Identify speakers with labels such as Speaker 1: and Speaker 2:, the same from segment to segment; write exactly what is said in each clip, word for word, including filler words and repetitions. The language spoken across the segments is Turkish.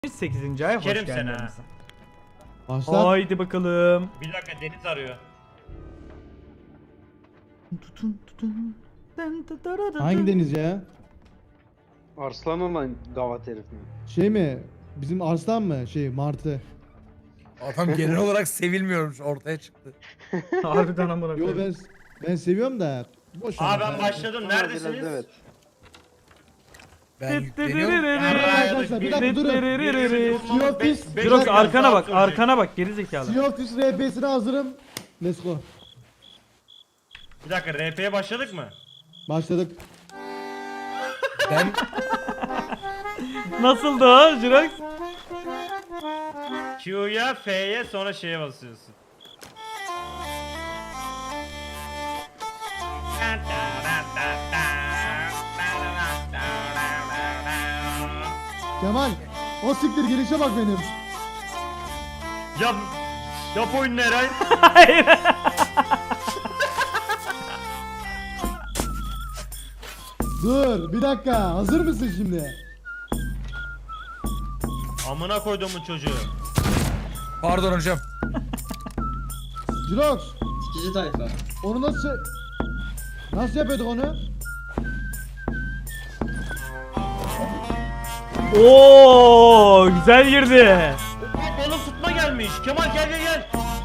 Speaker 1: sekizinci ay hoş
Speaker 2: Sikerim seni
Speaker 1: geldiniz.
Speaker 3: Başla.
Speaker 1: Haydi bakalım.
Speaker 2: Bir dakika Deniz arıyor.
Speaker 1: Tutun tutun. Dın dı dı dı dı.
Speaker 3: Hangi deniz ya?
Speaker 4: Arslan olan gavat herif mi?
Speaker 3: Şey mi? Bizim Arslan mı? Şey Martı.
Speaker 5: Adam genel olarak sevilmiyormuş, ortaya çıktı.
Speaker 1: Harbiden amına
Speaker 3: Yo
Speaker 1: koyayım.
Speaker 3: ben ben seviyorum da. Boş ver.
Speaker 2: Aa ben başladım.
Speaker 4: Ama
Speaker 2: Neredesiniz?
Speaker 4: biraz evet.
Speaker 5: Ben
Speaker 1: Dıt dı dı dı
Speaker 5: yükleniyorum.
Speaker 1: dı dı.
Speaker 3: Arkadaşlar, bir dakika durun.
Speaker 1: Dıt dı dı dı dı dı.
Speaker 3: Sea of Thieves.
Speaker 2: Beş
Speaker 1: Jirox
Speaker 2: dakika
Speaker 1: arkana
Speaker 2: daha
Speaker 1: bak,
Speaker 2: sürecek.
Speaker 1: arkana bak geri zekalı.
Speaker 3: Sea of Thieves R P'sine hazırım. Let's go.
Speaker 2: Bir dakika R P'ye başladık mı?
Speaker 3: Başladık.
Speaker 5: Ben
Speaker 1: Nasıldı ha Jirox?
Speaker 2: Q'ya, F'ye sonra şeye basıyorsun.
Speaker 3: Kemal. O siktir girişe bak benim.
Speaker 2: Yap, yap oyunu Eray.
Speaker 1: Hayır.
Speaker 3: Dur bir dakika. Hazır mısın şimdi?
Speaker 2: Amına koyduğumun çocuğu.
Speaker 5: pardon hocam.
Speaker 3: Jirox.
Speaker 6: Cici tayfa.
Speaker 3: Onu nasıl... Nasıl yapıyorduk onu?
Speaker 1: Oo, güzel girdi.
Speaker 2: Aa, balık tutma gelmiş. Kemal gel gel gel.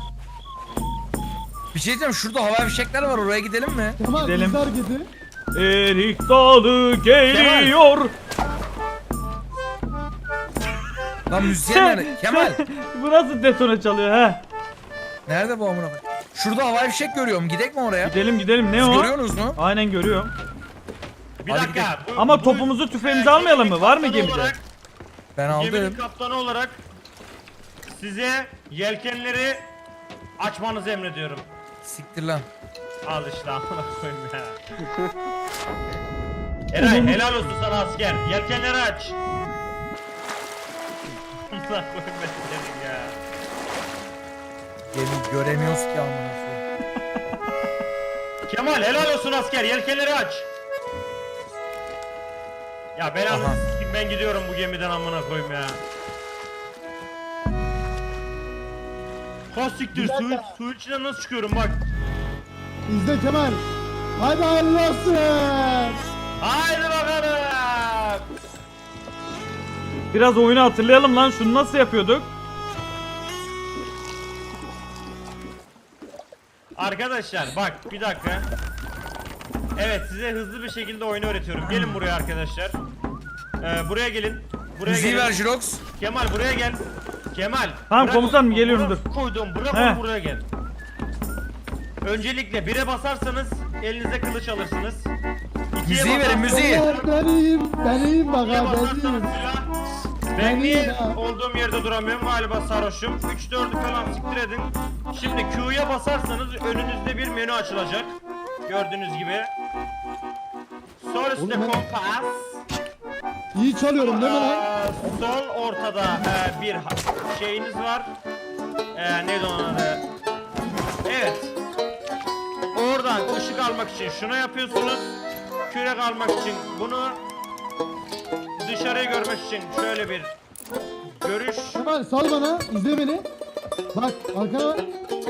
Speaker 5: Bir şey diyeceğim, şurada hava fişekler var, oraya gidelim mi?
Speaker 3: Kemal
Speaker 1: Gidelim.
Speaker 3: izle hareketi.
Speaker 1: Erik dalı geliyor.
Speaker 5: Lan müzisyen nerede? Kemal.
Speaker 1: Bu nasıl detone çalıyor ha?
Speaker 5: Nerede bu amına koyayım? Şurada hava fişek görüyorum, gidek mi oraya?
Speaker 1: Gidelim gidelim ne
Speaker 5: Siz
Speaker 1: o?
Speaker 5: görüyorsunuz mu?
Speaker 1: Aynen görüyorum.
Speaker 2: Bir
Speaker 5: Hadi
Speaker 2: dakika. bu-
Speaker 1: Ama
Speaker 2: bu-
Speaker 1: topumuzu tüfeğimizi
Speaker 2: Ee,
Speaker 1: almayalım mı? Var mı
Speaker 2: kaptanı
Speaker 1: gemide?
Speaker 2: olarak-
Speaker 5: Ben
Speaker 2: Geminin
Speaker 5: aldım.
Speaker 2: kaptanı olarak size yelkenleri açmanızı emrediyorum.
Speaker 5: Siktir lan.
Speaker 2: Al işte amına koyayım ya. Eray helal olsun sana asker. Yelkenleri aç. Amına koyayım ben senin ya.
Speaker 5: Gemi göremiyoruz ki amına koyayım.
Speaker 2: Kemal helal olsun asker. Yelkenleri aç. Ya belanı
Speaker 5: Aha.
Speaker 2: s**eyim, ben gidiyorum bu gemiden amına koyayım ya. Kastiktir su, su içinden nasıl çıkıyorum bak.
Speaker 3: İzle Kemal. Hadi hayırlı olsun.
Speaker 2: Haydi bakalım.
Speaker 1: Biraz oyunu hatırlayalım lan. Şunu nasıl yapıyorduk?
Speaker 2: Arkadaşlar bak bir dakika. Evet size hızlı bir şekilde oyunu öğretiyorum. Gelin buraya arkadaşlar. Ee, buraya gelin. Buraya
Speaker 5: Müziği
Speaker 2: gelin.
Speaker 5: ver Jirox.
Speaker 2: Kemal buraya gel. Kemal.
Speaker 1: Tamam,
Speaker 2: bırak
Speaker 1: komutanım,
Speaker 2: onu,
Speaker 1: geliyorum,
Speaker 2: bırak
Speaker 1: dur.
Speaker 2: Koydum bırak
Speaker 1: He.
Speaker 2: onu buraya gel. Öncelikle bire basarsanız elinize kılıç alırsınız. İkiye
Speaker 5: Müziği verin,
Speaker 2: basarsanız-
Speaker 5: müziği.
Speaker 3: Ben iyiyim. Ben iyiyim bak
Speaker 2: İkiye
Speaker 3: ha. Ben
Speaker 2: basarsanız
Speaker 3: iyiyim.
Speaker 2: silah.
Speaker 3: Ben
Speaker 2: Ben niye
Speaker 3: iyiyim ha.
Speaker 2: olduğum yerde duramıyorum galiba sarhoşum. üç dördü falan siktir edin. Şimdi Q'ya basarsanız önünüzde bir menü açılacak. Gördüğünüz gibi. Sol üstte
Speaker 3: Oğlum ben-
Speaker 2: kompas.
Speaker 3: İyi çalıyorum değil mi lan?
Speaker 2: Aa, sol ortada e, bir ha- şeyiniz var. E, neydi onun adı? Evet. Oradan ışık almak için şunu yapıyorsunuz. Kürek almak için bunu. Dışarıyı görmek için şöyle bir görüş.
Speaker 3: Kemal sal bana. İzle beni. Bak arkana bak.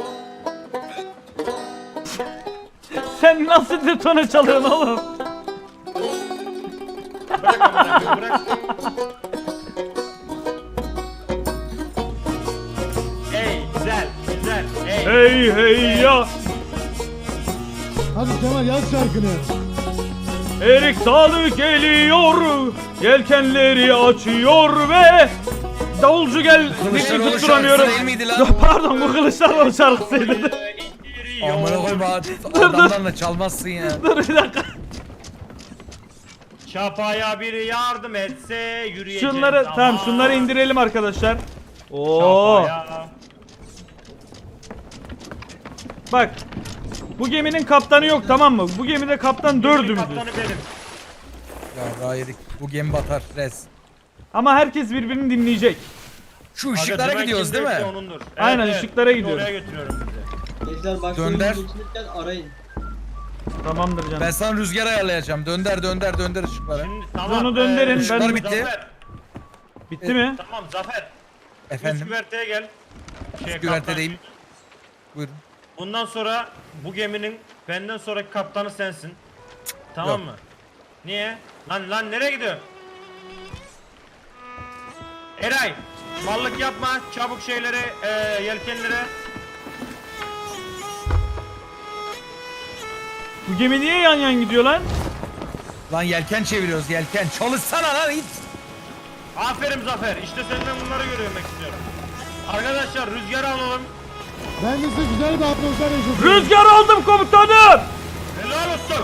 Speaker 1: Sen nasıl detone çalıyorsun oğlum?
Speaker 2: Bırak amına koyayım, bırak. Hey güzel güzel hey.
Speaker 1: Hey hey ya.
Speaker 3: Hadi Kemal yaz şarkını.
Speaker 1: Erik dalı geliyor. Yelkenleri açıyor ve davulcu gel.
Speaker 5: Kılıçdaroğlu
Speaker 1: Tutturamıyorum.
Speaker 5: şarkısı değil miydi lan?
Speaker 1: Ya pardon, bu Kılıçdaroğlu şarkısıydı.
Speaker 2: İndiriyor.
Speaker 5: Amına koyayım adamlarla çalmazsın ya.
Speaker 1: Dur bir dakika.
Speaker 2: Çapaya biri yardım etse yürüyeceğiz
Speaker 1: Şunları
Speaker 2: ama.
Speaker 1: tamam, şunları indirelim arkadaşlar. Oo.
Speaker 2: Çapaya.
Speaker 1: Bak. Bu geminin kaptanı yok, tamam mı? Bu gemide kaptan dördümüzüz.
Speaker 2: Kaptanı benim.
Speaker 5: Ya daha yedik. Bu gemi batar res.
Speaker 1: Ama herkes birbirini dinleyecek.
Speaker 5: Şu
Speaker 2: Aga,
Speaker 5: ışıklara
Speaker 2: dümen
Speaker 5: gidiyoruz değil
Speaker 2: kimdeyse
Speaker 5: mi?
Speaker 2: onundur.
Speaker 1: Aynen, ışıklara
Speaker 2: Şimdi
Speaker 1: gidiyoruz.
Speaker 2: Oraya götürüyorum sizi.
Speaker 6: Gençler başka
Speaker 5: Dönder.
Speaker 6: oyunu geçirirken arayın.
Speaker 1: Tamamdır canım.
Speaker 5: Ben sana rüzgar ayarlayacağım. Dönder dönder dönder ışıkları.
Speaker 2: Şimdi tamam.
Speaker 1: Onu dönderin,
Speaker 2: eee,
Speaker 1: ben-
Speaker 5: Işıklar bitti.
Speaker 2: Zafer,
Speaker 1: Bitti mi?
Speaker 2: Tamam Zafer. Üst
Speaker 5: Efendim.
Speaker 2: güverteye gel. Şey,
Speaker 5: Üst güvertedeyim.
Speaker 2: kaptan.
Speaker 5: Buyurun.
Speaker 2: Bundan sonra bu geminin benden sonraki kaptanı sensin. Tamam
Speaker 5: Yok.
Speaker 2: mı? Niye? Lan lan nereye gidiyor? Eray, mallık yapma. Çabuk şeyleri, e, yelkenlere.
Speaker 1: Bu gemi niye yan yan gidiyor lan?
Speaker 5: Lan yelken çeviriyoruz yelken. Çalışsana lan it.
Speaker 2: Aferin Zafer. İşte senden bunları görmek istiyorum. Arkadaşlar rüzgar alalım.
Speaker 3: Ben de size güzel bir atmosfer yaşatıyorum.
Speaker 1: Rüzgar aldım komutanım.
Speaker 2: Helal olsun.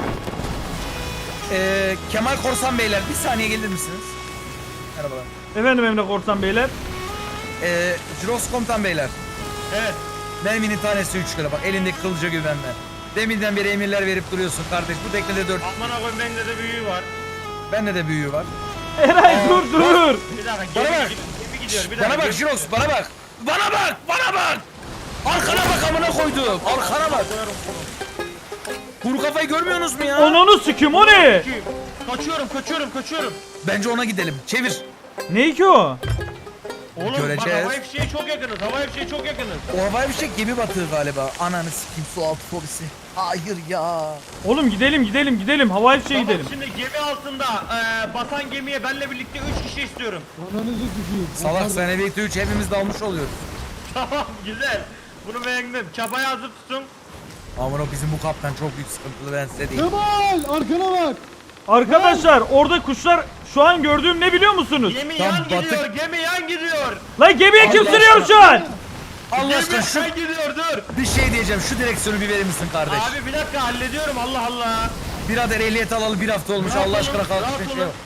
Speaker 5: Ee, Kemal Korsan Beyler bir saniye gelir misiniz? Merhabalar.
Speaker 1: Efendim Emre Korsan Beyler.
Speaker 5: Ee, Jiros Komutan Beyler.
Speaker 2: Evet.
Speaker 5: Merminin tanesi üç lira bak elindeki kılıca güvenme. Deminden beri emirler verip duruyorsun kardeş. Bu teknede dört.
Speaker 2: Aman koyayım bende de büyüğü var.
Speaker 5: Bende de büyüğü var.
Speaker 1: Eray dur dur.
Speaker 2: Bir dakika
Speaker 5: Bana
Speaker 2: gemi,
Speaker 5: bak.
Speaker 2: gemi gidiyor. Bir dakika.
Speaker 5: Bana bak
Speaker 2: gemi
Speaker 5: Jiros
Speaker 2: gidiyor.
Speaker 5: bana bak. Bana bak bana bak. Arkana bak amına koydum. Arkana bak. Kuru kafayı görmüyorsunuz mu ya?
Speaker 1: Ananı sikim o ne?
Speaker 2: Kaçıyorum kaçıyorum kaçıyorum.
Speaker 5: Bence ona gidelim. Çevir.
Speaker 1: Ne ki o?
Speaker 2: Oğlum bak
Speaker 5: Göreceğiz.
Speaker 2: havai fişeğe çok yakınız. Havai fişeğe çok yakınız.
Speaker 5: O havai fişek gemi batığı galiba. Ananı sikeyim su altı fobisi. Hayır ya.
Speaker 1: Oğlum gidelim gidelim gidelim. Havai fişeğe
Speaker 2: Tamam,
Speaker 1: gidelim.
Speaker 2: şimdi gemi altında e, batan gemiye benle birlikte üç kişi istiyorum.
Speaker 3: Ananızı sikeyim.
Speaker 5: Salak sene birlikte üç hepimiz dalmış oluyoruz.
Speaker 2: Tamam güzel. Bunu beğendim. Çabayı hazır tutun.
Speaker 5: Aman o bizim bu kaptan çok büyük sıkıntılı ben size diyeyim.
Speaker 3: Kemal arkana bak.
Speaker 1: Arkadaşlar orada kuşlar şu an gördüğüm ne biliyor musunuz?
Speaker 2: Gemi
Speaker 5: Tam
Speaker 2: yan
Speaker 5: batık-
Speaker 2: gidiyor. Gemi yan gidiyor.
Speaker 1: Lan gemiye kim
Speaker 5: Allah
Speaker 1: sürüyor şu an?
Speaker 5: Allah
Speaker 2: Gemi
Speaker 5: aşkına şu
Speaker 2: yan gidiyor dur.
Speaker 5: bir şey diyeceğim. Şu direksiyonu bir verir misin kardeş?
Speaker 2: Abi bir dakika hallediyorum Allah Allah.
Speaker 5: Birader ehliyet alalı bir hafta olmuş.
Speaker 2: Rahat
Speaker 5: Allah aşkına
Speaker 2: olun,
Speaker 5: kalk
Speaker 2: rahat
Speaker 5: bir şey
Speaker 2: olun.
Speaker 5: yok.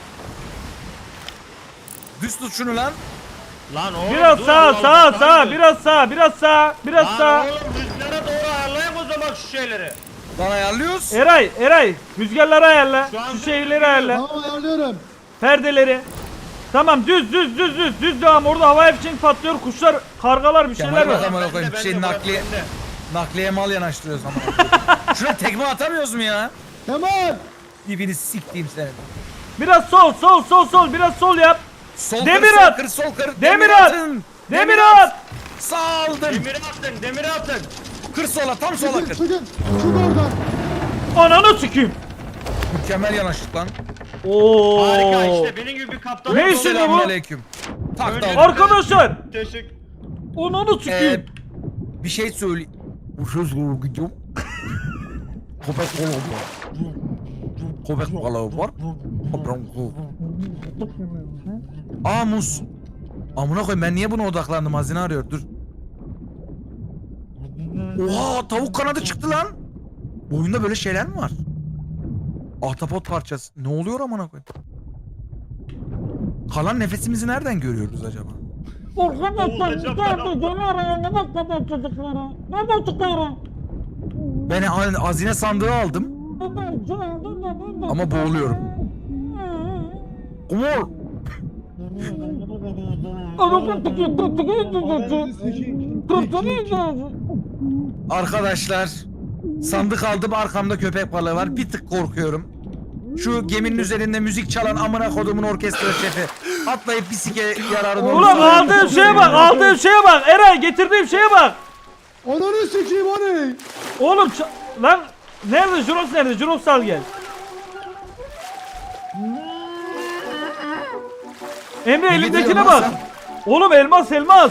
Speaker 5: Düz tut şunu lan.
Speaker 2: Lan oğlum
Speaker 1: Biraz
Speaker 2: dur,
Speaker 1: sağa
Speaker 2: Allah
Speaker 1: sağa
Speaker 2: Allah,
Speaker 1: sağa
Speaker 2: sağa
Speaker 1: biraz sağa biraz sağa biraz
Speaker 2: Lan
Speaker 1: sağa.
Speaker 2: oğlum rüzgara doğru ayarlayın o zaman şu şeyleri.
Speaker 5: Lan ayarlıyoruz.
Speaker 1: Eray Eray rüzgarları ayarla.
Speaker 2: Şu an
Speaker 1: Şu
Speaker 2: düz
Speaker 1: şeyleri
Speaker 2: gidiyor.
Speaker 1: ayarla.
Speaker 3: Tamam ayarlıyorum.
Speaker 1: Perdeleri. Tamam düz düz düz düz düz devam. Orada havai fişek patlıyor. Kuşlar, kargalar bir şeyler
Speaker 5: Kemal
Speaker 1: var.
Speaker 5: bak amına
Speaker 2: Bende,
Speaker 5: koyayım.
Speaker 2: bende,
Speaker 5: Şey
Speaker 2: burası
Speaker 5: nakliye
Speaker 2: bende.
Speaker 5: nakliye mal yanaştırıyoruz ama. Şuna tekme atamıyoruz mu ya?
Speaker 3: Kemal.
Speaker 5: Dibini siktiğim senin.
Speaker 1: Biraz sol sol sol sol biraz sol yap.
Speaker 5: Sol
Speaker 1: Demir
Speaker 5: kır, sol
Speaker 1: at!
Speaker 5: kır, sol kır.
Speaker 1: Demir at!
Speaker 5: atın.
Speaker 1: Demir at.
Speaker 5: Saldım.
Speaker 2: Demiri atın demiri atın.
Speaker 5: Kır sola, tam sola
Speaker 3: Çıkın
Speaker 5: kır.
Speaker 3: çıkın. Çık oradan.
Speaker 1: Ananı sikeyim.
Speaker 5: Mükemmel yanaştık lan.
Speaker 1: Oo.
Speaker 2: Harika işte benim gibi bir kaptan.
Speaker 1: Ne
Speaker 2: oldu.
Speaker 1: işin bu?
Speaker 5: Selamünaleyküm. Tak da
Speaker 2: Önce-
Speaker 5: aldım.
Speaker 1: Arkadaşlar.
Speaker 2: Teşekkür.
Speaker 1: Ananı
Speaker 5: Ee,
Speaker 1: sikeyim.
Speaker 5: bir şey söyle. Bu söz doğru gidiyorum. Köpek balığı var. Köpek balığı var. Aa muz. Amına koyayım ben niye buna odaklandım? Hazine arıyor. Dur. Oha tavuk kanadı çıktı lan. Bu oyunda böyle şeyler mi var? Ahtapot parçası. Ne oluyor amına koyayım? Kalan nefesimizi nereden görüyoruz acaba?
Speaker 2: Olacak adam.
Speaker 5: Ben ha- hazine sandığı aldım ama boğuluyorum. Umur.
Speaker 3: Ananızı sikeyim.
Speaker 5: Arkadaşlar sandık aldım, arkamda köpek balığı var, bir tık korkuyorum. Şu geminin üzerinde müzik çalan amına kodumun orkestra şefi atlayıp bir sike yararını
Speaker 1: Ulan aldığım şeye bak aldığım şeye bak. Eray getirdiğim şeye bak.
Speaker 3: Ananı sikeyim o ne?
Speaker 1: Oğlum ça- lan nerede Juros nerede? Juros al gel. Emre
Speaker 5: Ne
Speaker 1: elindekine
Speaker 5: getiriyorsun
Speaker 1: bak.
Speaker 5: lan
Speaker 1: Oğlum elmas elmas.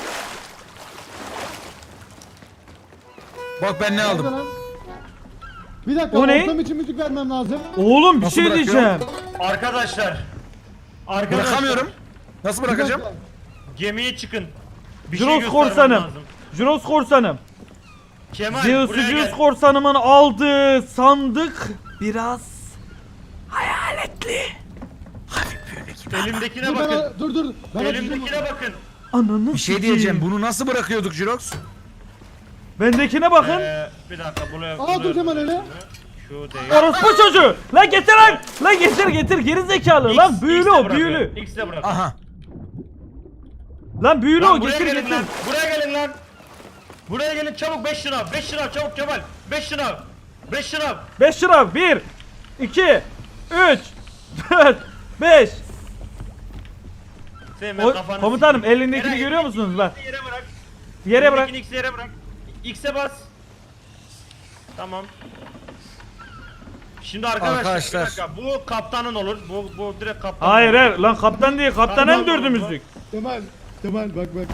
Speaker 5: Bak ben ne aldım.
Speaker 3: Nerede lan? Bir dakika
Speaker 1: O ne?
Speaker 3: ortam için müzik vermem lazım.
Speaker 1: Oğlum bir
Speaker 5: Nasıl
Speaker 1: şey
Speaker 5: bırakıyor?
Speaker 1: diyeceğim.
Speaker 2: Arkadaşlar. Arkadaşlar.
Speaker 5: Bırakamıyorum. Nasıl
Speaker 3: Bir
Speaker 5: bırakacağım?
Speaker 3: dakika.
Speaker 2: Gemiye çıkın. Bir şey
Speaker 1: Juros
Speaker 2: göstermem
Speaker 1: korsanım.
Speaker 2: lazım.
Speaker 1: Juros korsanım.
Speaker 2: Kemal
Speaker 1: Zeus
Speaker 2: buraya
Speaker 1: Zeus
Speaker 2: gel.
Speaker 1: korsanımın aldığı sandık biraz hayaletli.
Speaker 2: Elimdekine
Speaker 3: Dur,
Speaker 2: bakın.
Speaker 3: ben, dur dur. Ben açacağım
Speaker 2: Elimdekine
Speaker 3: onu.
Speaker 2: bakın.
Speaker 1: Ananı
Speaker 5: Bir şey
Speaker 1: sikeyim.
Speaker 5: diyeceğim. Bunu nasıl bırakıyorduk Jirox?
Speaker 1: Bendekine bakın.
Speaker 2: Ee, bir dakika buraya.
Speaker 3: Aa, dur Kemal hele.
Speaker 2: Şu değil.
Speaker 1: Orospu çocuğu. Lan getir lan. Lan getir getir geri zekalı. Lan büyülü
Speaker 2: X'e
Speaker 1: o
Speaker 2: bırakıyor,
Speaker 1: büyülü.
Speaker 2: X'e bırak.
Speaker 5: Aha.
Speaker 1: Lan büyülü
Speaker 2: Lan
Speaker 1: o
Speaker 2: buraya
Speaker 1: getir
Speaker 2: gelin
Speaker 1: getir.
Speaker 2: lan. Buraya gelin lan. Buraya gelin çabuk beş şınav. beş şınav çabuk Kemal. beş şınav. beş şınav.
Speaker 1: beş lira. bir, iki, üç, dört, beş.
Speaker 2: Fehmi
Speaker 1: O,
Speaker 2: kafanı
Speaker 1: komutanım
Speaker 2: sikeyim.
Speaker 1: elindekini
Speaker 2: Eray,
Speaker 1: görüyor musunuz bak.
Speaker 2: Yere bırak.
Speaker 1: Yere bırak.
Speaker 2: Elindekini X'e yere bırak. X'e bas. Tamam. Şimdi arkadaşlar,
Speaker 5: Arkadaşlar.
Speaker 2: bir dakika, bu kaptanın olur. Bu bu direkt kaptan.
Speaker 1: Hayır
Speaker 2: olur.
Speaker 1: hayır lan kaptan değil kaptan
Speaker 2: Kaptan
Speaker 1: en dördü
Speaker 2: olur bu.
Speaker 1: müzik.
Speaker 3: Kemal. Kemal bak bak.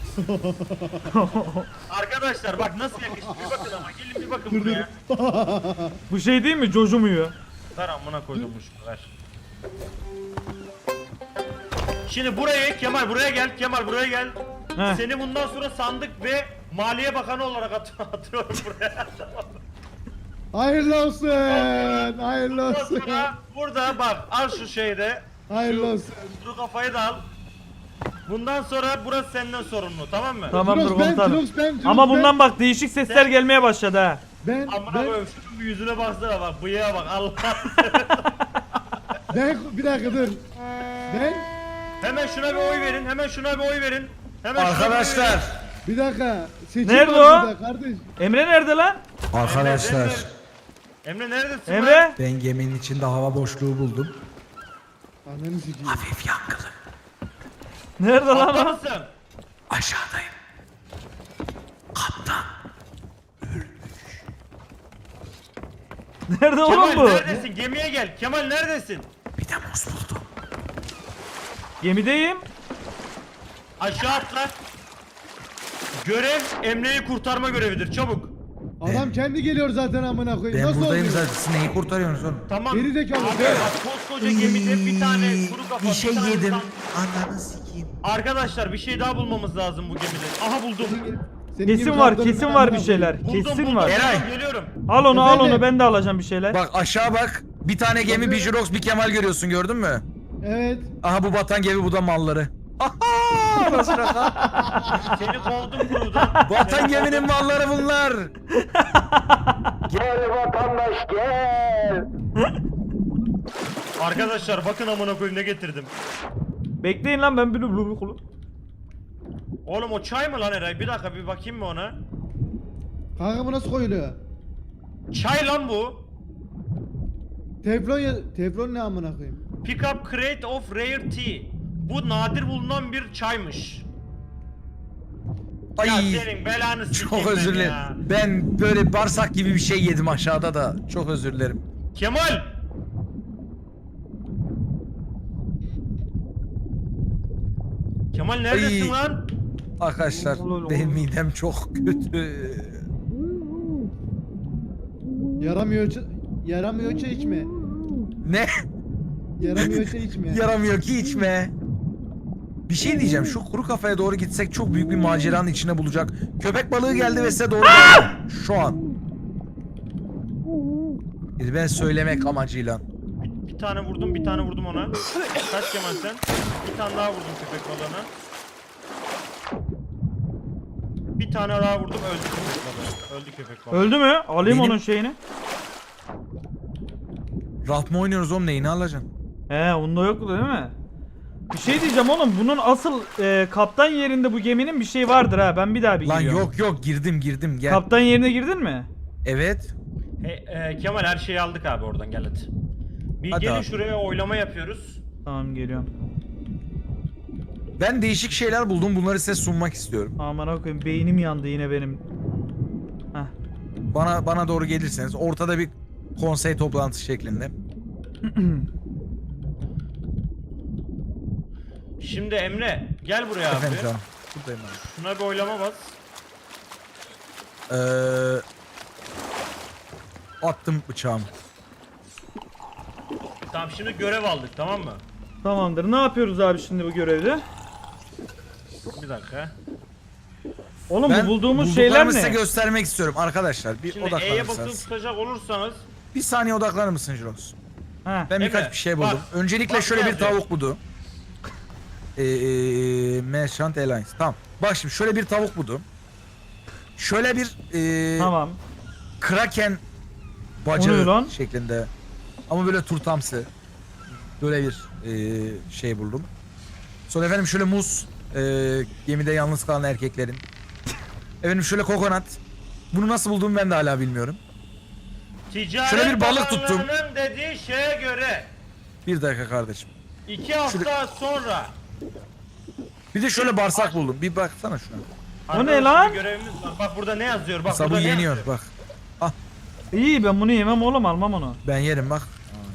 Speaker 2: Arkadaşlar bak nasıl yakıştı bir bakın ama gelin bir bakın buraya.
Speaker 1: Bu şey değil mi cocumuyor.
Speaker 2: Ver amına koydum bu şunu ver. Şimdi buraya Kemal buraya gel Kemal buraya gel.
Speaker 1: Heh.
Speaker 2: Seni bundan sonra sandık ve Maliye Bakanı olarak at atıyorum buraya.
Speaker 3: Hayırlı olsun. Hayırlı
Speaker 2: Bundan
Speaker 3: olsun.
Speaker 2: sonra burada bak al şu şeyde.
Speaker 3: Hayırlı
Speaker 2: şu-
Speaker 3: olsun.
Speaker 2: Şu kafayı da al. Bundan sonra burası senden sorumlu tamam mı?
Speaker 1: Tamamdır
Speaker 3: Jirox ben,
Speaker 1: komutanım.
Speaker 3: Jirox ben, Jirox
Speaker 1: Ama
Speaker 3: ben.
Speaker 1: bundan bak değişik sesler gelmeye başladı ha.
Speaker 3: Ben,
Speaker 2: Amına
Speaker 3: ben,
Speaker 2: koyayım şunun bir yüzüne baksana bak bıyığa bak Allah.
Speaker 3: ben, bir dakika dur. Ben,
Speaker 2: Hemen şuna bir oy verin hemen şuna bir oy verin. Hemen şuna bir oy
Speaker 5: Arkadaşlar.
Speaker 2: verin.
Speaker 3: bir dakika. Seçim
Speaker 1: Nerede
Speaker 3: var
Speaker 1: o?
Speaker 3: burada Kardeş.
Speaker 1: Emre nerede lan?
Speaker 5: Arkadaşlar.
Speaker 2: Emre, Emre neredesin lan?
Speaker 1: Emre?
Speaker 5: Ben geminin içinde hava boşluğu buldum.
Speaker 3: Ananı sikeyim.
Speaker 5: Hafif yankılı.
Speaker 1: Nerede
Speaker 2: Altta
Speaker 1: lan o?
Speaker 2: mısın?
Speaker 5: Aşağıdayım. Kaptan.
Speaker 1: Nerede oğlum
Speaker 2: Kemal
Speaker 1: bu?
Speaker 2: neredesin? Gemiye gel. Kemal neredesin?
Speaker 5: Bir de muz buldum.
Speaker 1: Gemideyim.
Speaker 2: Aşağı atla. Görev Emre'yi kurtarma görevidir. Çabuk.
Speaker 3: Adam kendi geliyor zaten amına koyayım.
Speaker 5: Ben
Speaker 3: Nasıl
Speaker 5: buradayım
Speaker 3: oluyor?
Speaker 5: zaten. Siz neyi kurtarıyorsunuz oğlum?
Speaker 2: Tamam.
Speaker 3: Geri zekalı.
Speaker 2: Abi bak koskoca gemide bir tane kuru kafa.
Speaker 5: Bir şey
Speaker 2: tane
Speaker 5: yedim.
Speaker 2: insan-
Speaker 5: Ananı sikeyim.
Speaker 2: Arkadaşlar bir şey daha bulmamız lazım bu gemide. Aha buldum.
Speaker 3: Senin gibi
Speaker 1: Kesin var
Speaker 3: kaptanım
Speaker 1: kesin
Speaker 3: ben
Speaker 1: var
Speaker 3: amına
Speaker 1: bir şeyler.
Speaker 3: koyayım.
Speaker 2: Buldum
Speaker 1: Kesin
Speaker 2: buldum.
Speaker 1: var.
Speaker 5: Eray.
Speaker 2: Buldum, Geliyorum.
Speaker 1: Al onu al
Speaker 3: Efendim?
Speaker 1: onu ben de alacağım bir şeyler.
Speaker 5: Bak aşağı bak. Bir tane gemi, bir Jirox, bir Kemal görüyorsun gördün mü?
Speaker 3: Evet.
Speaker 5: Aha bu batan gemi, bu da malları. Aha! Nasıl şaka?
Speaker 2: Seni kovdum kurudan.
Speaker 5: Batan geminin malları bunlar. Gel vatandaş gel.
Speaker 2: Arkadaşlar bakın amına koyayım ne getirdim.
Speaker 1: Bekleyin lan ben bir blue blue
Speaker 2: Oğlum o çay mı lan Eray? Bir dakika bir bakayım mı ona?
Speaker 3: Kanka bu nasıl koyuluyor?
Speaker 2: Çay lan bu.
Speaker 3: Teflon ya... Teflon ne amına koyayım?
Speaker 2: Pick up crate of rare tea. Bu nadir bulunan bir çaymış.
Speaker 5: Ay.
Speaker 2: Ya senin belanı sikeyim
Speaker 5: Çok
Speaker 2: ben
Speaker 5: özür dilerim.
Speaker 2: ya.
Speaker 5: Ben böyle bağırsak gibi bir şey yedim aşağıda da. Çok özür dilerim.
Speaker 2: Kemal! Kemal neredesin
Speaker 5: Ay.
Speaker 2: lan?
Speaker 5: Arkadaşlar
Speaker 1: Olur,
Speaker 5: benim
Speaker 1: olur.
Speaker 5: midem çok kötü.
Speaker 3: Yaramıyor ç- Yaramıyor çay içme.
Speaker 5: Ne?
Speaker 3: Yaramıyor çay içme.
Speaker 5: Yaramıyor ki içme. Bir şey diyeceğim. Şu kuru kafaya doğru gitsek çok büyük bir maceranın içine bulacak. Köpek balığı geldi ve size doğru geldi. Şu an. Bir ben söylemek amacıyla.
Speaker 2: Bir, bir tane vurdum, bir tane vurdum ona. Kaç Kemal sen? Bir tane daha vurdum köpek balığına. Bir tane daha vurdum, öldü köpek balığı. Öldü köpek balığı.
Speaker 1: Öldü mü? Alayım
Speaker 5: Benim-
Speaker 1: onun şeyini.
Speaker 5: Rahat mı oynuyoruz oğlum, neyini alacaksın?
Speaker 1: He onda yok değil mi? Bir şey diyeceğim oğlum bunun asıl e, kaptan yerinde bu geminin bir şey vardır ha ben bir daha bir
Speaker 5: Lan
Speaker 1: giriyorum.
Speaker 5: yok yok girdim girdim gel.
Speaker 1: Kaptan yerine girdin mi?
Speaker 5: Evet.
Speaker 2: He, e, Kemal her şeyi aldık abi oradan gel hadi. Bir
Speaker 5: Hadi
Speaker 2: gelin
Speaker 5: abi.
Speaker 2: şuraya oylama yapıyoruz.
Speaker 1: Tamam geliyorum.
Speaker 5: Ben değişik şeyler buldum, bunları size sunmak istiyorum.
Speaker 1: Aman koyayım beynim yandı yine benim. Heh.
Speaker 5: Bana bana doğru gelirseniz ortada bir konsey toplantısı şeklinde.
Speaker 2: Şimdi Emre gel buraya abi.
Speaker 5: Efendim canım. Buradayım abi.
Speaker 2: Şuna bir oylama bas.
Speaker 5: Ee, attım bıçağımı.
Speaker 2: Tamam şimdi görev aldık tamam mı?
Speaker 1: Tamamdır ne yapıyoruz abi şimdi bu görevde?
Speaker 2: Bir dakika.
Speaker 1: Oğlum
Speaker 5: Ben
Speaker 1: bu bulduğumuz
Speaker 5: bulduklarımı
Speaker 1: şeyler
Speaker 5: size
Speaker 1: ne?
Speaker 5: göstermek istiyorum arkadaşlar. Bir
Speaker 2: Şimdi E'ye basılı
Speaker 5: odaklanırsanız.
Speaker 2: tutacak olursanız
Speaker 5: Bir saniye odaklanır mısın Jirox?
Speaker 1: Ha.
Speaker 5: Ben birkaç
Speaker 2: Evet,
Speaker 5: bir şey
Speaker 2: bak.
Speaker 5: buldum. Öncelikle
Speaker 2: Bak,
Speaker 5: şöyle
Speaker 2: ne
Speaker 5: bir
Speaker 2: yazıyor?
Speaker 5: tavuk budu. Ee, Merchant Alliance. Tamam. Bak şimdi şöyle bir tavuk budu. Şöyle bir ee,
Speaker 1: Tamam.
Speaker 5: Kraken
Speaker 1: O ne
Speaker 5: bacağı
Speaker 1: lan?
Speaker 5: şeklinde. Ama böyle turtamsı. Böyle bir ee, şey buldum. Sonra efendim şöyle muz. ee, gemide yalnız kalan erkeklerin. Efendim şöyle kokonat. Bunu nasıl bulduğumu ben de hala bilmiyorum.
Speaker 2: ticaret
Speaker 5: Şöyle bir balık tuttum.
Speaker 2: bakanlığının dediği şeye göre
Speaker 5: Bir dakika kardeşim.
Speaker 2: iki hafta sonra
Speaker 5: Bir de şöyle bağırsak buldum. Bir baksana şuna.
Speaker 1: O ne
Speaker 2: Arkadaşlar,
Speaker 1: lan?
Speaker 2: bir görevimiz var. Bak burada ne yazıyor? Bak
Speaker 5: Mesela bu
Speaker 2: burada ne
Speaker 5: yeniyor
Speaker 2: yazıyor?
Speaker 5: bak.
Speaker 1: İyi ben bunu yemem oğlum, almam onu.
Speaker 5: Ben yerim bak.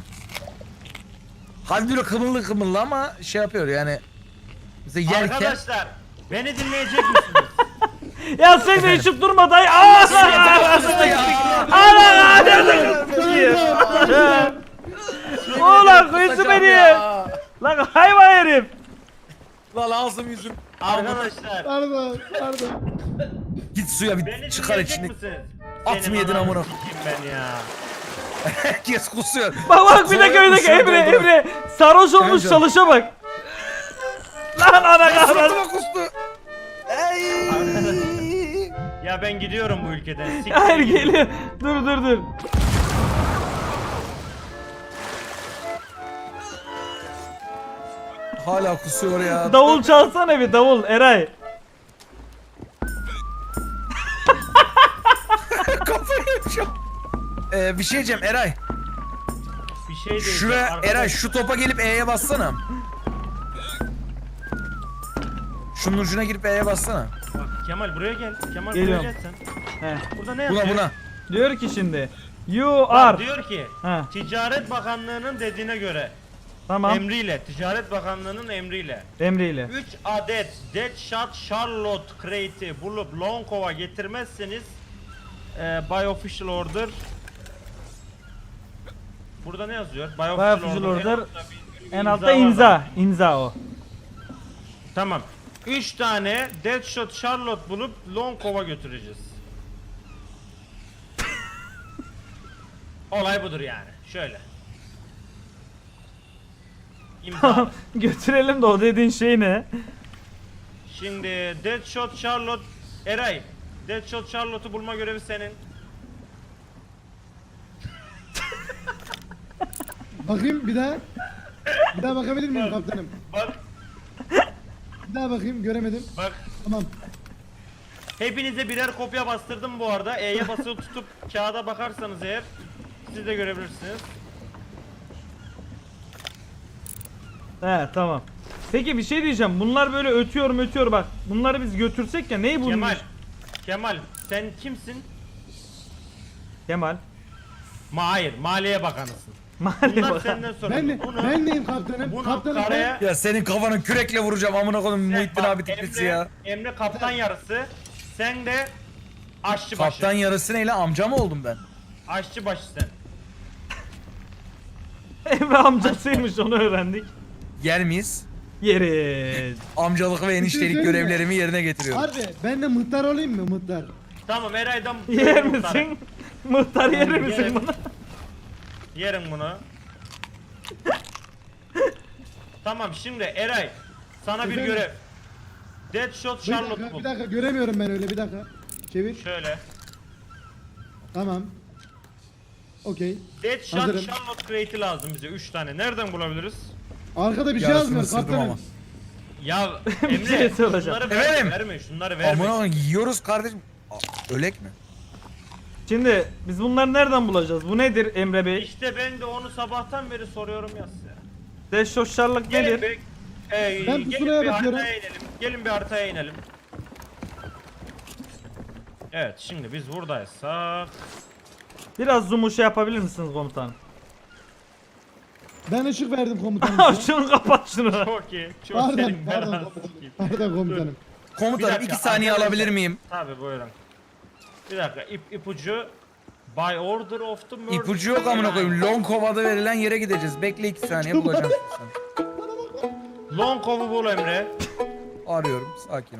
Speaker 5: Hadi böyle kımıllı kımıllı ama şey yapıyor yani. Mesela yerken
Speaker 2: Arkadaşlar beni dinleyecek misiniz?
Speaker 1: Ya sen de içip durma dayı. Aa! Ana! Nerede Oğlum kıyısı beni. Lan hayvan herif.
Speaker 5: lan ağzım yüzüm.
Speaker 2: Arkadaşlar
Speaker 3: Pardon, pardon.
Speaker 5: Git suya
Speaker 2: beni
Speaker 5: bir çıkar
Speaker 2: dinleyecek
Speaker 5: içini.
Speaker 2: misiniz?
Speaker 5: At
Speaker 2: Senin
Speaker 5: mı yedin
Speaker 2: ananı
Speaker 5: amına?
Speaker 2: sikeyim ben ya.
Speaker 5: Herkes kusuyor.
Speaker 1: Bak bak bir de köydeki
Speaker 5: Kusura
Speaker 1: Emre
Speaker 5: doldur.
Speaker 1: Emre. Sarhoş olmuş
Speaker 5: Emre.
Speaker 1: çalışa bak. Lan ana kahretsin.
Speaker 5: Suratıma kustu. Ey.
Speaker 2: Ya ben gidiyorum bu ülkeden. Siktir
Speaker 1: Hayır
Speaker 2: gidin.
Speaker 1: geliyor. Dur dur dur.
Speaker 5: Hala kusuyor ya.
Speaker 1: Davul çalsana bir davul Eray.
Speaker 5: Kafayı yemişim. Ee, bir şey diyeceğim Eray.
Speaker 2: Bir şey değil.
Speaker 5: Şuraya
Speaker 2: Arkadaş-
Speaker 5: Eray şu topa gelip E'ye bassana. Şunun ucuna girip E'ye bassana.
Speaker 2: Bak, Kemal buraya gel. Kemal
Speaker 1: Geliyorum.
Speaker 2: buraya gel sen.
Speaker 1: He.
Speaker 2: Burada ne yazıyor?
Speaker 5: Buna buna.
Speaker 1: Diyor ki şimdi. You
Speaker 2: Bak,
Speaker 1: are.
Speaker 2: diyor ki
Speaker 1: He.
Speaker 2: Ticaret Bakanlığı'nın dediğine göre
Speaker 1: Tamam.
Speaker 2: emriyle Ticaret Bakanlığı'nın emriyle
Speaker 1: Emre ile.
Speaker 2: üç adet Deadshot Charlotte Crate'i bulup Longcow'a getirmezseniz e, by official order burada ne yazıyor? By official,
Speaker 1: By official order,
Speaker 2: bir- bir
Speaker 1: En
Speaker 2: imza
Speaker 1: altta
Speaker 2: var
Speaker 1: imza.
Speaker 2: bak.
Speaker 1: İmza o.
Speaker 2: Tamam. üç tane Deadshot Charlotte bulup Longcow'a götüreceğiz. Olay budur yani. Şöyle. İmza.
Speaker 1: Götürelim de o dediğin şey ne?
Speaker 2: Şimdi Deadshot Charlotte Eray. Deadshot Charlotte'u bulma görevi senin.
Speaker 3: Bakayım bir daha. Bir daha bakabilir miyim kaptanım?
Speaker 2: Bak
Speaker 3: Bir daha bakayım, göremedim.
Speaker 2: bak.
Speaker 3: Tamam.
Speaker 2: Hepinize birer kopya bastırdım bu arada. E'ye basılı tutup kağıda bakarsanız eğer siz de görebilirsiniz.
Speaker 1: He tamam. Peki bir şey diyeceğim. Bunlar böyle ötüyor mu ötüyor bak. Bunları biz götürsek ya neyi bulmuş?
Speaker 2: Kemal. Kemal sen kimsin?
Speaker 1: Kemal.
Speaker 2: Ma hayır, Maliye Bakanısın.
Speaker 1: Mali
Speaker 2: Bunlar
Speaker 1: bak.
Speaker 2: senden sonra.
Speaker 3: Ben,
Speaker 2: bunu,
Speaker 3: ben neyim kaptanım?
Speaker 2: bunu
Speaker 3: Kaptanım
Speaker 2: karaya
Speaker 5: Ya senin kafanı kürekle vuracağım amına koyayım
Speaker 2: sen-
Speaker 5: Muhittin
Speaker 2: bak,
Speaker 5: abi tiplisi
Speaker 2: Emre,
Speaker 5: ya.
Speaker 2: Emre kaptan yarısı. Sen de aşçı başı.
Speaker 5: Kaptan yarısı neyle amca mı oldum ben?
Speaker 2: Aşçı başı sen.
Speaker 1: Emre amcasıymış onu öğrendik.
Speaker 5: Yer miyiz?
Speaker 1: Yeriz.
Speaker 5: Amcalık ve eniştelik
Speaker 3: söyleyeyim mi?
Speaker 5: görevlerimi yerine getiriyorum.
Speaker 3: Harbi ben de muhtar olayım mı muhtar?
Speaker 2: Tamam Eray'dan
Speaker 1: Yer
Speaker 2: muhtarı.
Speaker 1: misin? Muhtar yer
Speaker 2: Yerim.
Speaker 1: misin bunu?
Speaker 2: Yerim bunu. Tamam şimdi Eray sana bir
Speaker 3: Efendim?
Speaker 2: görev. Deadshot
Speaker 3: Bir
Speaker 2: Charlotte
Speaker 3: dakika,
Speaker 2: bul.
Speaker 3: bir dakika göremiyorum ben öyle bir dakika. Çevir.
Speaker 2: Şöyle.
Speaker 3: Tamam. Okey.
Speaker 2: Deadshot
Speaker 3: Hazırım.
Speaker 2: Charlotte Crate'i lazım bize üç tane. Nereden bulabiliriz?
Speaker 3: Arkada bir şey
Speaker 5: Yarısını
Speaker 3: yazmıyor
Speaker 5: ısırdım
Speaker 3: kaptanım.
Speaker 5: ama.
Speaker 2: Ya
Speaker 1: Bir şey
Speaker 2: Emre
Speaker 1: soracağım.
Speaker 2: şunları verme,
Speaker 5: Efendim?
Speaker 2: verme şunları verme.
Speaker 5: Amına koyayım yiyoruz kardeşim. Aa, ölek mi?
Speaker 1: Şimdi biz bunları nereden bulacağız? Bu nedir Emre Bey?
Speaker 2: İşte ben de onu sabahtan beri soruyorum ya size.
Speaker 1: Deşoşarlık
Speaker 2: Gelin
Speaker 1: nedir?
Speaker 2: bir, e,
Speaker 3: Ben
Speaker 2: gelin
Speaker 3: pusulaya
Speaker 2: bir
Speaker 3: bakıyorum.
Speaker 2: haritaya inelim. Gelin bir haritaya inelim. Evet şimdi biz buradaysak
Speaker 1: Biraz zoom'u şey yapabilir misiniz komutan?
Speaker 3: Ben ışık verdim komutanım. size.
Speaker 1: Şunu kapat şunu.
Speaker 2: çok iyi. Çok
Speaker 3: Pardon,
Speaker 2: senin
Speaker 3: pardon
Speaker 2: belanı
Speaker 3: komutanım.
Speaker 2: sikeyim.
Speaker 3: Pardon komutanım.
Speaker 2: Bir
Speaker 5: Komutanım
Speaker 2: dakika,
Speaker 5: iki saniye
Speaker 2: arkadaşlar.
Speaker 5: alabilir miyim?
Speaker 2: Tabi buyurun. Bir dakika ip, ipucu by order of the murder.
Speaker 5: İpucu yok amına koyayım. Longcow'da verilen yere gideceğiz. Bekle iki saniye bulacağım sen.
Speaker 2: Longcow'u bul Emre.
Speaker 5: Arıyorum. Sakin ol.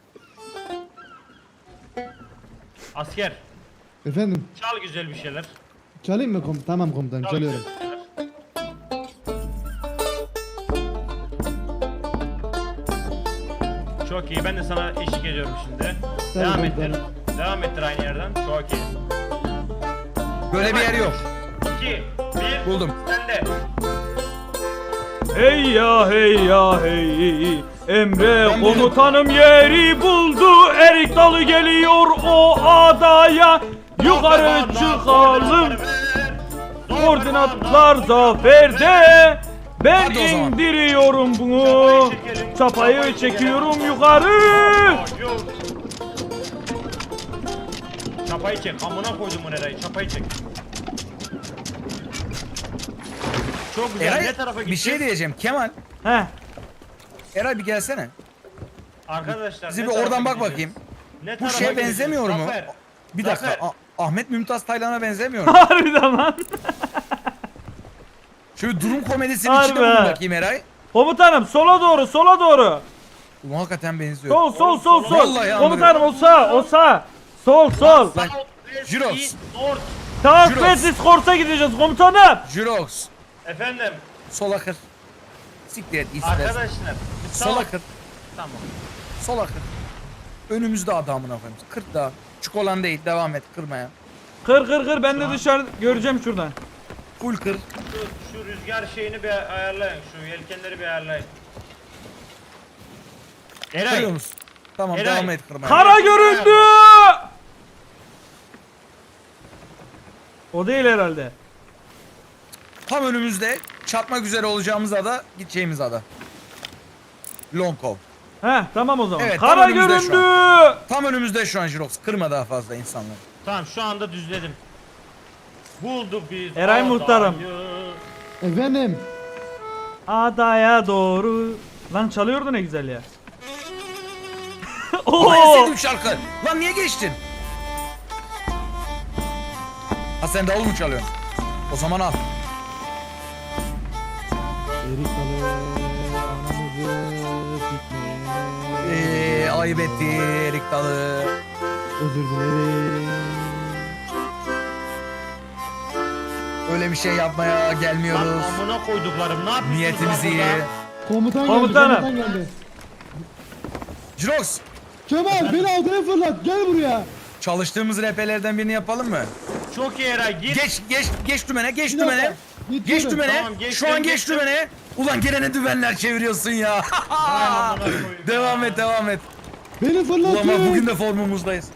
Speaker 2: Asker
Speaker 3: Efendim
Speaker 2: çal güzel bir şeyler.
Speaker 3: çalayım mı komutanım? Tamam komutanım
Speaker 2: Çal
Speaker 3: çalıyorum.
Speaker 2: güzel bir şeyler. Çok iyi ben de sana eşlik ediyorum şimdi.
Speaker 3: Tabii,
Speaker 2: Devam
Speaker 3: tabii,
Speaker 2: ettir. Devam ettir aynı yerden. Çok iyi.
Speaker 5: Böyle bir yer yok.
Speaker 2: iki, bir.
Speaker 5: Buldum.
Speaker 2: Sen de.
Speaker 1: Hey ya hey ya hey. Emre komutanım yeri buldu. Erik dalı geliyor o adaya. Yukarı çıkalım. Koordinatlar zaferde. Ben
Speaker 5: Hadi o zaman.
Speaker 1: indiriyorum bunu.
Speaker 2: Çapayı çekelim.
Speaker 1: Çapayı
Speaker 2: Çapayı
Speaker 1: çekiyorum
Speaker 2: çekelim.
Speaker 1: yukarı.
Speaker 2: Yok. Çapayı çek. Amına koydum bu nereye? Çapayı çek. Çok güzel.
Speaker 5: Eray
Speaker 2: ne tarafa
Speaker 5: bir
Speaker 2: gideceğiz?
Speaker 5: şey diyeceğim. Kemal.
Speaker 1: Heh.
Speaker 5: Eray bir gelsene.
Speaker 2: Arkadaşlar
Speaker 5: Bize
Speaker 2: ne
Speaker 5: bir
Speaker 2: tarafa
Speaker 5: oradan bak
Speaker 2: gideceğiz?
Speaker 5: bakayım.
Speaker 2: Ne
Speaker 5: Bu
Speaker 2: tarafa
Speaker 5: şeye
Speaker 2: gideceğiz?
Speaker 5: benzemiyor mu?
Speaker 2: Zafer.
Speaker 5: Bir dakika.
Speaker 2: Zafer.
Speaker 5: Ah- Ahmet Mümtaz Taylan'a benzemiyor mu?
Speaker 1: Harbiden lan.
Speaker 5: Şöyle durum komedisinin
Speaker 1: Harbi
Speaker 5: içinde bulun
Speaker 1: ha.
Speaker 5: bakayım Eray.
Speaker 1: Komutanım sola doğru sola doğru.
Speaker 5: Ulan hakikaten benziyor.
Speaker 1: Sol sol sol sol.
Speaker 5: Vallahi
Speaker 1: Komutanım o sağ o sağ. Sol sol.
Speaker 5: Lan, Jirox.
Speaker 2: East, North.
Speaker 1: Tamam
Speaker 5: Jirox.
Speaker 1: Francis Korsa gideceğiz komutanım.
Speaker 5: Jirox.
Speaker 2: Efendim.
Speaker 5: Sola kır. Siktir et ister.
Speaker 2: Arkadaşlar. bu
Speaker 5: Sola
Speaker 2: sağ-
Speaker 5: kır.
Speaker 2: Tamam.
Speaker 5: Sola kır. Önümüzde adamına koyayım. Kırk daha. Çikolan değil. Devam et kırmaya.
Speaker 1: Kır kır kır ben de dışarı göreceğim şuradan.
Speaker 5: Full kır.
Speaker 2: Şu, şu rüzgar şeyini bir ayarlayın. Şu yelkenleri bir ayarlayın. Eray.
Speaker 5: Kırıyor musun? Tamam
Speaker 2: Eray.
Speaker 5: devam et kırmaya.
Speaker 1: Kara göründü. O değil herhalde.
Speaker 5: Tam önümüzde çatmak üzere olacağımız ada, gideceğimiz ada. Longkov.
Speaker 1: Heh tamam o zaman.
Speaker 5: Evet, tam
Speaker 1: Kara
Speaker 5: önümüzde şu
Speaker 1: göründü.
Speaker 5: Tam önümüzde şu an Jirox. Kırma daha fazla insanları.
Speaker 2: Tamam şu anda düzledim. Bulduk biz.
Speaker 1: Eray
Speaker 2: adayı.
Speaker 1: muhtarım.
Speaker 3: Efendim.
Speaker 1: Adaya doğru. Lan çalıyordu ne güzel ya.
Speaker 5: Ama en
Speaker 1: Oo.
Speaker 5: sevdiğim şarkı. Lan niye geçtin? Ha sen davul mu çalıyorsun? O zaman al.
Speaker 3: Erik dalı anamızı sikme.
Speaker 5: Eee ayıp etti Erik Dalı.
Speaker 3: Özür dilerim.
Speaker 5: Öyle bir şey yapmaya
Speaker 2: Lan
Speaker 5: gelmiyoruz.
Speaker 2: amına koyduklarım ne yapıyorsunuz?
Speaker 5: Niyetimiz
Speaker 2: lan
Speaker 5: iyi.
Speaker 2: burada?
Speaker 3: Komutan geldi.
Speaker 1: Komutanım.
Speaker 3: Komutan geldi.
Speaker 5: Jirox.
Speaker 3: Kemal beni aldırıya fırlat. Gel buraya.
Speaker 5: Çalıştığımız repelerden birini yapalım mı?
Speaker 2: Çok iyi Eray gir.
Speaker 5: Geç geç geç dümene geç
Speaker 3: Bir dakika,
Speaker 5: dümene. Geç
Speaker 3: geçiyorum.
Speaker 5: dümene.
Speaker 2: Tamam, geçtim,
Speaker 5: Şu an geç
Speaker 2: geçtim.
Speaker 5: dümene. Ulan gene ne dümenler çeviriyorsun ya.
Speaker 2: Ay, amına koyayım
Speaker 5: devam
Speaker 2: ya.
Speaker 5: et devam et.
Speaker 3: Beni
Speaker 5: Ulan
Speaker 3: fırlatıyor.
Speaker 5: bak bugün de formumuzdayız.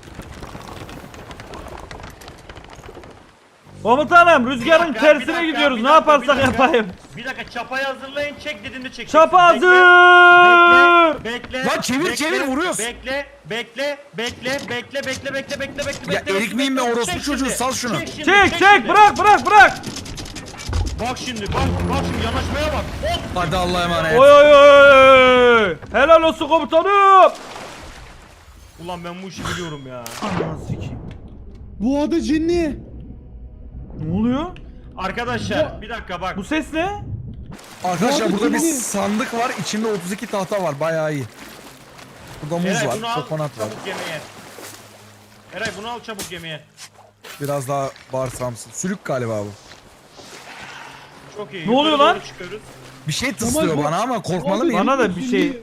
Speaker 1: Komutanım
Speaker 2: Bir
Speaker 1: rüzgarın
Speaker 2: dakika, bir
Speaker 1: tersine
Speaker 2: dakika,
Speaker 1: gidiyoruz.
Speaker 2: bir
Speaker 1: Ne
Speaker 2: dakika,
Speaker 1: yaparsak
Speaker 2: bir dakika.
Speaker 1: yapayım.
Speaker 2: Bir dakika çapayı hazırlayın çek dediğinde çek.
Speaker 1: Çapa hazır.
Speaker 2: Bekle.
Speaker 5: Lan çevir,
Speaker 2: bekle,
Speaker 5: çevir, vuruyorsun.
Speaker 2: Bekle, bekle, bekle, bekle, bekle, bekle, bekle, bekle,
Speaker 5: Ya
Speaker 2: bekle.
Speaker 5: erik miyim ben,
Speaker 2: bekle.
Speaker 5: orospu
Speaker 2: Çek
Speaker 5: çocuğu,
Speaker 2: şimdi,
Speaker 5: sal şunu.
Speaker 2: şimdi,
Speaker 1: Çek çek
Speaker 2: şimdi.
Speaker 1: bırak bırak bırak.
Speaker 2: Bak şimdi, bak, bak şimdi yanaşmaya bak. Hop.
Speaker 5: Hadi Allah'a emanet.
Speaker 1: Oy oy oy. Helal olsun komutanım.
Speaker 2: Ulan ben bu işi biliyorum ya.
Speaker 1: Ananı sikeyim.
Speaker 3: Bu adı cinli.
Speaker 1: Ne oluyor?
Speaker 2: Arkadaşlar bir dakika bak.
Speaker 1: Bu ses ne?
Speaker 5: Arkadaşlar
Speaker 3: Ya,
Speaker 5: burada bir
Speaker 3: şimdi-
Speaker 5: sandık var. İçinde otuz iki tahta var. Bayağı iyi. Burada muz
Speaker 2: Eray
Speaker 5: var.
Speaker 2: bunu al
Speaker 5: Kokonat var.
Speaker 2: çabuk gemiye. Eray bunu al çabuk gemiye.
Speaker 5: Biraz daha bağırsamsın. Sülük galiba bu.
Speaker 2: Çok iyi.
Speaker 1: Ne oluyor
Speaker 2: yukarı
Speaker 1: lan?
Speaker 2: doğru çıkıyoruz.
Speaker 5: Bir şey tıslıyor
Speaker 3: bu-
Speaker 5: bana ama korkmalı
Speaker 3: Bu
Speaker 5: mıyım?
Speaker 1: Bana da bir
Speaker 3: cinli.
Speaker 1: şey-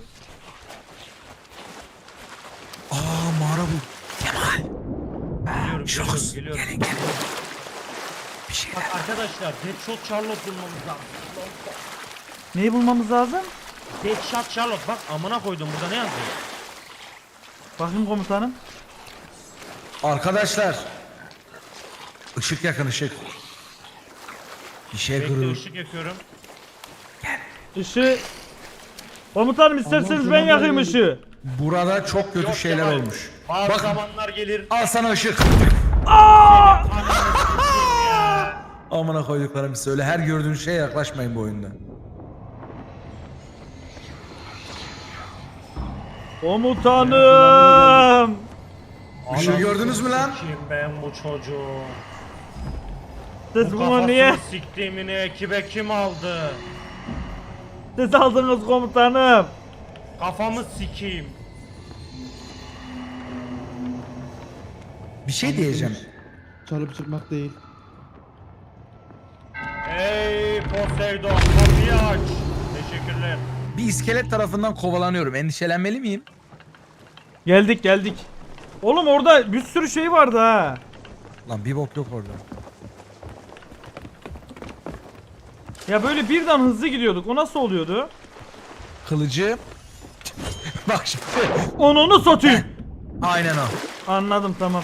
Speaker 5: Aa mağara bu.
Speaker 2: Geliyorum,
Speaker 5: Şoks.
Speaker 2: geliyorum,
Speaker 5: Gelin
Speaker 2: geliyorum.
Speaker 5: gelin. Bir şey.
Speaker 2: Bak arkadaşlar Deadshot Charlotte bulmamız lazım.
Speaker 1: Neyi bulmamız lazım?
Speaker 2: Deadshot Charlotte bak amına koydum burada ne yazıyor?
Speaker 1: Bakayım komutanım.
Speaker 5: Arkadaşlar. Işık yakın ışık. Bir şey
Speaker 2: Bekle
Speaker 5: kırıyor.
Speaker 2: ışık yakıyorum.
Speaker 1: Işığı... Komutanım isterseniz
Speaker 3: Allah'ım,
Speaker 1: ben
Speaker 3: canım
Speaker 1: yakayım
Speaker 3: benim.
Speaker 1: ışığı.
Speaker 5: Burada çok kötü
Speaker 2: Yok,
Speaker 5: şeyler
Speaker 2: Kemal,
Speaker 5: olmuş.
Speaker 2: Bazı
Speaker 5: Bak
Speaker 2: zamanlar gelir.
Speaker 5: al sana ışık.
Speaker 1: Aa!
Speaker 5: Amına koyduklarım söyle. Her gördüğün şeye yaklaşmayın bu oyunda.
Speaker 1: Komutanım.
Speaker 5: Işığı gördünüz mü lan?
Speaker 2: Kim ben bu çocuğu?
Speaker 1: Siz
Speaker 2: Bu
Speaker 1: bunu niye?
Speaker 2: kafasını siktiğimini ekibe kim aldı?
Speaker 1: Siz aldınız komutanım.
Speaker 2: Kafamı sikeyim.
Speaker 5: Bir şey diyeceğim.
Speaker 3: Çalıp çıkmak değil.
Speaker 2: Ey Poseidon kapıyı aç. Teşekkürler.
Speaker 5: Bir iskelet tarafından kovalanıyorum. Endişelenmeli miyim?
Speaker 1: Geldik geldik. Oğlum orada bir sürü şey vardı ha.
Speaker 5: Lan bir bok yok orada.
Speaker 1: Ya böyle birden hızlı gidiyorduk. O nasıl oluyordu?
Speaker 5: Kılıcı. Bak şimdi.
Speaker 1: Onu satayım.
Speaker 5: Aynen o.
Speaker 1: Anladım tamam.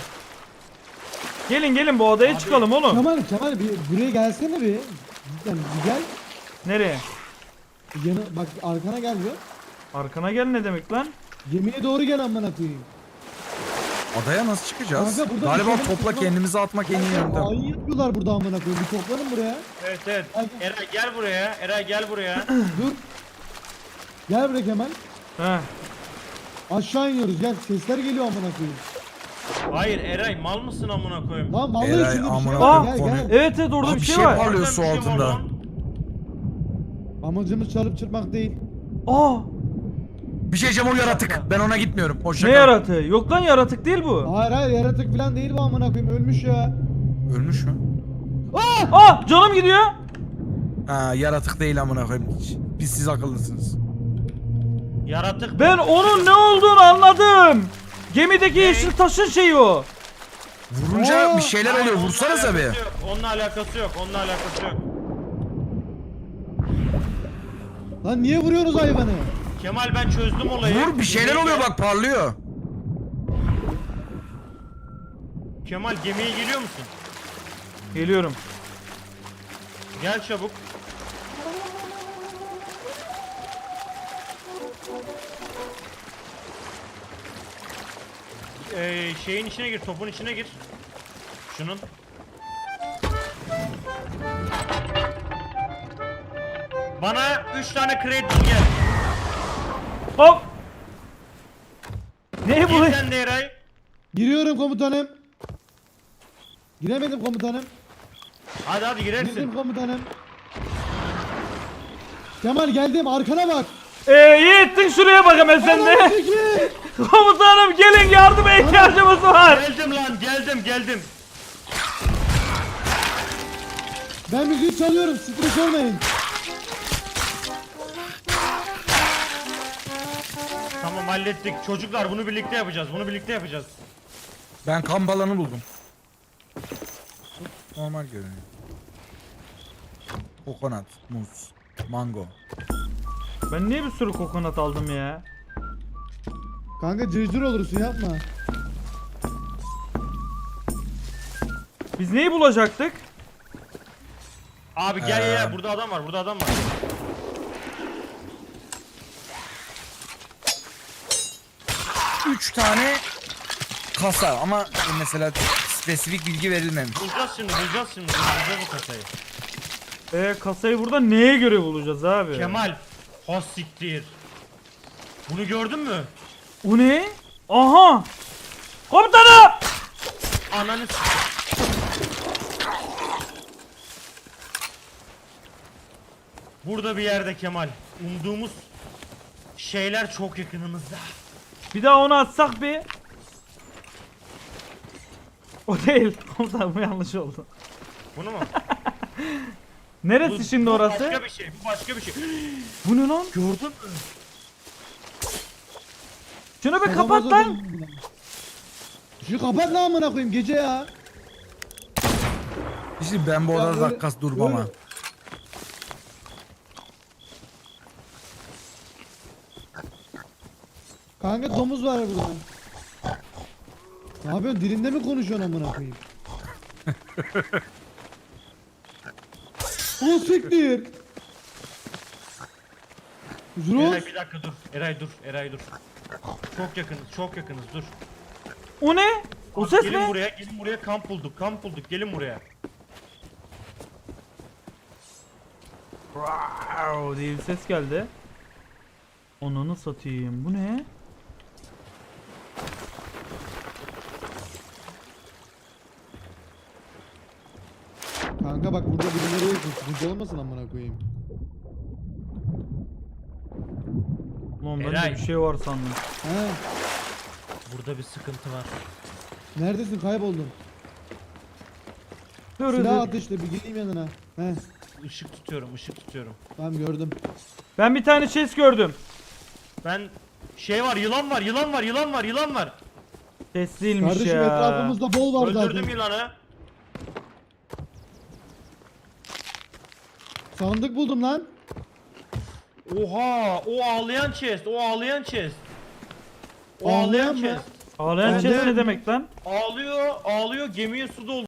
Speaker 1: Gelin gelin bu odaya çıkalım oğlum.
Speaker 3: Kemal Kemal bir buraya gelsene bir. Cidden bir gel.
Speaker 1: Nereye?
Speaker 3: Yanı, bak arkana gel diyor.
Speaker 1: Arkana gel ne demek lan?
Speaker 3: Gemiye doğru gel amına koyayım.
Speaker 5: Adaya nasıl çıkacağız?
Speaker 3: Kanka burada
Speaker 5: Galiba
Speaker 3: bir şey-
Speaker 5: topla kendimizi atmak en iyi yöntem.
Speaker 3: Hain yapıyorlar burada amına koyayım. Bir toplanın buraya.
Speaker 2: Evet evet.
Speaker 3: Hadi.
Speaker 2: Eray gel buraya. Eray gel buraya.
Speaker 3: Dur. Gel buraya Kemal.
Speaker 1: He.
Speaker 3: Aşağı iniyoruz gel. Sesler geliyor amına koyayım.
Speaker 2: Hayır Eray mal mısın amına koyayım?
Speaker 3: Lan vallahi
Speaker 5: Eray,
Speaker 3: şurada bir
Speaker 5: amına
Speaker 3: şey
Speaker 1: koyayım,
Speaker 3: var. Gel
Speaker 5: konu-
Speaker 3: gel.
Speaker 1: Evet evet orada
Speaker 5: Aa,
Speaker 1: bir
Speaker 5: bir
Speaker 1: şey
Speaker 5: şey
Speaker 1: var.
Speaker 5: var. Parlıyor
Speaker 2: Orada
Speaker 5: su
Speaker 2: bir şey var
Speaker 5: altında.
Speaker 2: lan.
Speaker 3: Amacımız çalıp çırpmak değil.
Speaker 1: Aa,
Speaker 5: Bir şey diyeceğim, o yaratık. Ben ona gitmiyorum. Hoşça
Speaker 1: ne
Speaker 5: kal.
Speaker 1: yaratığı? Yok lan yaratık değil bu.
Speaker 3: Hayır hayır yaratık falan değil bu amına koyayım. Ölmüş ya.
Speaker 5: Ölmüş mü?
Speaker 1: Aa, canım gidiyor.
Speaker 5: Ha, yaratık değil amına koyayım. Biz siz akıllısınız.
Speaker 2: Yaratık.
Speaker 1: Ben onun ne olduğunu anladım. Gemideki yeşil taşın şeyi o.
Speaker 5: Vurunca
Speaker 3: Aa!
Speaker 5: bir şeyler
Speaker 2: Hayır,
Speaker 5: oluyor.
Speaker 2: onunla
Speaker 5: Vursanıza bir.
Speaker 2: alakası yok, Onunla alakası yok. Onunla alakası yok.
Speaker 3: Lan niye vuruyorsunuz hayvanı?
Speaker 2: Kemal ben çözdüm olayı.
Speaker 5: Vur, bir şeyler
Speaker 2: Gemiye
Speaker 5: oluyor
Speaker 2: gel.
Speaker 5: bak, parlıyor.
Speaker 2: Kemal gemiye geliyor musun?
Speaker 1: Geliyorum.
Speaker 2: Gel çabuk. Ee, şeyin içine gir, topun içine gir. Şunun. Bana üç tane kredi gel.
Speaker 1: Hop. Ne bu?
Speaker 2: Gir sen de Eray.
Speaker 3: Giriyorum komutanım. Giremedim komutanım.
Speaker 2: Hadi hadi
Speaker 3: Girdim
Speaker 2: girersin.
Speaker 3: komutanım. Kemal geldim arkana bak.
Speaker 1: Ee, Yiğit'in şuraya bak hemen sen de.
Speaker 3: Peki.
Speaker 1: Komutanım gelin, yardıma ihtiyacımız var.
Speaker 2: Geldim lan geldim geldim.
Speaker 3: Ben müziği çalıyorum stres olmayın.
Speaker 2: Tamam hallettik. Çocuklar bunu birlikte yapacağız. Bunu birlikte yapacağız.
Speaker 5: Ben kamp alanı buldum. Normal görünüyor. Kokonat, muz, mango.
Speaker 1: Ben niye bir sürü kokonat aldım ya?
Speaker 3: Kanka cırcır olursun yapma.
Speaker 1: Biz neyi bulacaktık?
Speaker 2: Abi gel gel gel.
Speaker 5: Ee.
Speaker 2: Burada adam var. Burada adam var.
Speaker 5: Üç tane kasa ama mesela spesifik bilgi verilmemiş.
Speaker 2: Bulacağız şimdi. Bulacağız şimdi. Bulacağız o kasayı.
Speaker 1: Ee, kasayı burada neye göre bulacağız abi?
Speaker 2: Kemal. Has siktir. Bunu gördün mü?
Speaker 1: O ne? Aha! Komutanım!
Speaker 2: Ananı s- Burada bir yerde Kemal. Umduğumuz şeyler çok yakınımızda.
Speaker 1: Bir daha onu atsak bir. O değil. Komutanım bu yanlış oldu.
Speaker 2: Bunu mu?
Speaker 1: Neresi
Speaker 2: Bu-
Speaker 1: şimdi
Speaker 2: bu
Speaker 1: orası?
Speaker 2: Başka bir şey. Bu başka bir şey.
Speaker 1: Bu ne lan?
Speaker 2: Gördün mü?
Speaker 1: Şunu bir kapat
Speaker 3: Kafamıza
Speaker 1: lan.
Speaker 3: dön- Şu kapat lan amına koyayım gece ya.
Speaker 5: İşte ben bu
Speaker 3: Ya
Speaker 5: odada
Speaker 3: öyle-
Speaker 5: dakikası durmam ha.
Speaker 3: öyle- Kanka domuz var burada. Ne yapıyorsun? Dilinde mi konuşuyorsun amına koyayım? O siktir. Zros.
Speaker 2: Eray bir dakika dur. Eray dur. Eray dur. Çok yakınız. Çok yakınız. Dur.
Speaker 1: O ne? O ses
Speaker 2: gelin
Speaker 1: ne?
Speaker 2: buraya. Gelin buraya. Kamp bulduk. Kamp bulduk. Gelin buraya.
Speaker 1: Wow diye bir ses geldi. Onunu satayım. Bu ne?
Speaker 3: Kanka bak burada birileri yok. Sıkıntı olmasın amına koyayım.
Speaker 1: Lan bende
Speaker 2: Eray.
Speaker 1: bir şey var sandım.
Speaker 3: He.
Speaker 2: Burada bir sıkıntı var.
Speaker 3: Neredesin? Kayboldun.
Speaker 1: Dur
Speaker 3: Silah
Speaker 1: dur.
Speaker 3: ateşle bir geleyim yanına. He.
Speaker 2: Işık tutuyorum. Işık tutuyorum.
Speaker 3: Tamam gördüm.
Speaker 1: Ben bir tane chest gördüm.
Speaker 2: Ben şey var. Yılan var. Yılan var. Yılan var. Yılan var.
Speaker 1: Chest değilmiş
Speaker 3: Kardeşim
Speaker 1: ya.
Speaker 3: etrafımızda bol var
Speaker 2: Öldürdüm
Speaker 3: zaten.
Speaker 2: yılanı.
Speaker 3: Sandık buldum lan.
Speaker 2: Oha. O ağlayan chest. O ağlayan chest. O
Speaker 3: Ağlayan
Speaker 2: ağlayan
Speaker 3: mı?
Speaker 2: chest.
Speaker 1: Ağlayan
Speaker 3: Ben
Speaker 1: chest
Speaker 3: de-
Speaker 1: ne demek lan?
Speaker 2: Ağlıyor. Ağlıyor. Gemiye su doldu.